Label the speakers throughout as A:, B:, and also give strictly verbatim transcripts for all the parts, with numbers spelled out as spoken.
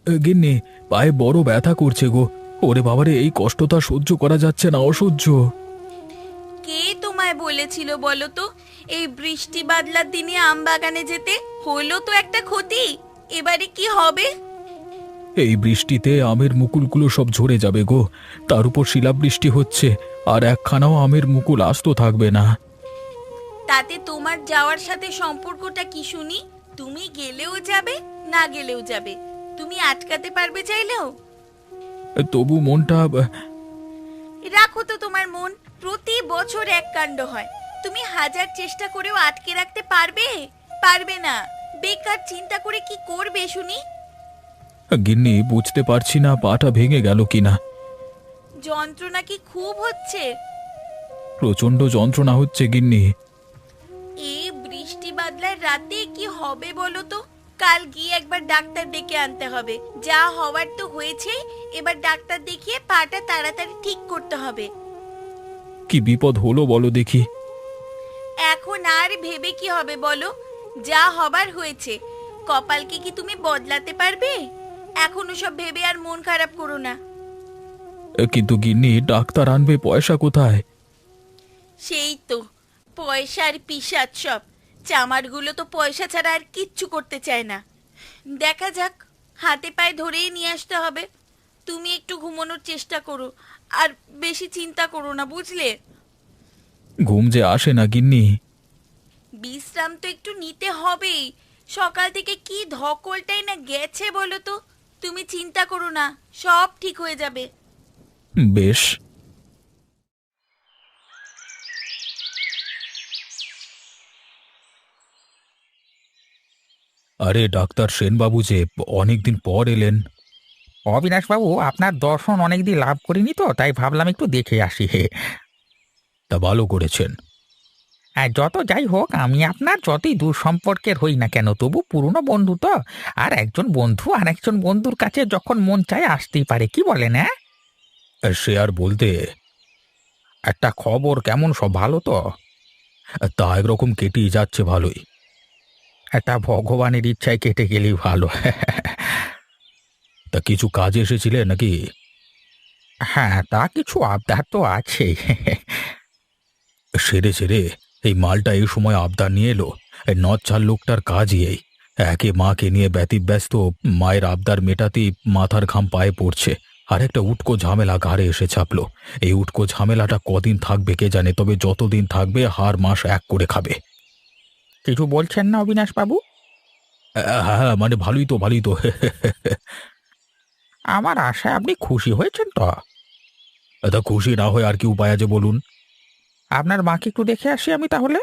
A: এ, গিন্নি, পায়ে বড় ব্যথা করছে গো। ওরে বাবারে, এই কষ্টটা সহ্য করা যাচ্ছে না, অসহ্য।
B: কে তোমায় বলেছিল বলো তো এই বৃষ্টি বাদলার দিনে আম বাগানে যেতে? হলো তো একটা ক্ষতি, এবারে কি হবে?
A: এই বৃষ্টিতে আমের মুকুলগুলো সব ঝরে যাবে গো। তার উপর শিলাবৃষ্টি হচ্ছে, আর একখানাও আমের মুকুল আস্ত থাকবে না।
B: তাতে তোমার যাওয়ার সাথে সম্পর্কটা কি শুনি? তুমি গেলেও যাবে, না গেলেও যাবে। তুমি আটকাতে পারবে চাইলেও?
A: এ, তবু মনটা আহ,
B: রাখো তো তোমার মন, প্রতি বছর এক কাণ্ড হয়। তুমি হাজার চেষ্টা করেও আটকে রাখতে পারবে? পারবে না। বেকার চিন্তা করে কি করবে শুনি?
A: গিন্নি, বুঝতে পারছি না পাটা ভেঙে গেল কিনা।
B: যন্ত্রণা কি খুব হচ্ছে?
A: প্রচন্ড যন্ত্রণা হচ্ছে গিন্নি।
B: এই বৃষ্টি বাদলার রাতে কি হবে বলো তো? কাল গিয়ে একবার ডাক্তার ডেকে আনতে হবে। যা হওয়ার তো হয়েছে, এবার ডাক্তার দেখিয়ে পাটা তাড়াতাড়ি ঠিক করতে হবে।
A: কি বিপদ হলো বলো দেখি।
B: এখন আর ভেবে কি হবে বলো? যা হবার হয়েছে। কপালকে কি তুমি বদলাতে পারবে? এখন সব ভেবে আর মন খারাপ করো না।
A: এ, কিন্তু গিন্নি, ডাক্তার আনবে পয়সা কোথায়?
B: সেই তো, পয়সার পিশাচ সব। চামারগুলো তো পয়সা ছাড়া আর কিচ্ছু করতে চায় না। দেখা যাক, হাতে পায়ে ধরেই নিয়ে আসতে হবে। তুমি একটু ঘুমানোর চেষ্টা করো, আর বেশি চিন্তা করো না, বুঝলে?
A: ঘুম যে আসে না গিন্নি।
B: বিশ্রাম তো একটু নিতে হবেই। সকাল থেকে কি ধকলটাই না গেছে বলো তো। তুমি চিন্তা করো না, সব ঠিক হয়ে যাবে।
A: বেশ। আরে ডাক্তার সেনবাবু যে, অনেকদিন পর এলেন।
C: অবিনাশবাবু, আপনার দর্শন অনেকদিন লাভ করিনি তো, তাই ভাবলাম একটু দেখে আসি। হে
A: তা ভালো করেছেন।
C: আর যত যাই হোক, আমি আপনার যতই দূর সম্পর্কের হই না কেন, তবু পুরনো বন্ধু তো। আর একজন বন্ধু আর একজন বন্ধুর কাছে যখন মন চায় আসতেই পারে, কি বলেন? হ্যাঁ,
A: সে আর বলতে।
C: একটা খবর, কেমন সব ভালো তো?
A: তা একরকম কেটেই যাচ্ছে ভালোই।
C: একটা ভগবানের ইচ্ছায় কেটে গেলেই ভালো।
A: তা কিছু কাজে এসেছিলেন নাকি?
C: হ্যাঁ, তা কিছু আবদার তো আছেই।
A: সেরে সেরে এই মালটা এই সময় আবদার নিয়ে এলো। এই নচ্ছার লোকটার কাজই এই। একে মাকে নিয়ে ব্যতিব্যস্ত, মায়ের আবদার মেটাতেই মাথার ঘাম পায়ে পড়ছে। আর একটা উটকো ঝামেলা ঘাড়ে এসে চাপলো। এই উটকো ঝামেলাটা কদিন থাকবে কে জানে, তবে যতদিন থাকবে হার মাস এক করে খাবে।
C: কিছু বলছেন না অবিনাশবাবু?
A: হ্যাঁ হ্যাঁ, মানে ভালোই তো, ভালোই তো।
C: আমার আশায় আপনি খুশি হয়েছেন তো?
A: তা খুশি না হয় আর কি উপায় আছে বলুন?
C: আপনার মাকে একটু দেখে আসি আমি তাহলে।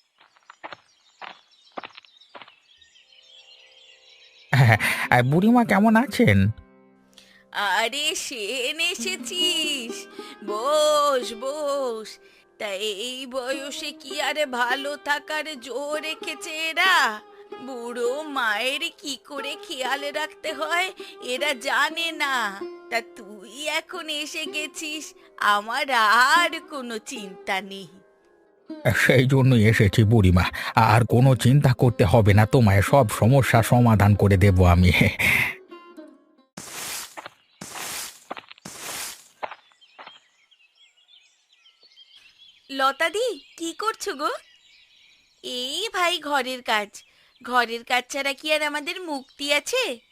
C: হ্যাঁ, আর বুড়িমা কেমন আছেন?
B: আরে সেন, এসেছিস? বস বস। তা এই বয়সে কি আরে ভালো থাকার জোর রেখেছে এরা? বুড়ো মায়ের কি করে খেয়াল রাখতে হয় এরা জানে না। তা তুই এখন এসে গেছিস, আমার আর কোনো চিন্তা নেই।
C: সেই জন্যই এসেছি বুড়িমা। আর কোনো চিন্তা করতে হবে না তোমায়, সব সমস্যা সমাধান করে দেব আমি।
B: লতাদি, কি করছো গো? এই ভাই, ঘরের কাজ। ঘরের কাজ ছাড়া কি আর আমাদের মুক্তি আছে?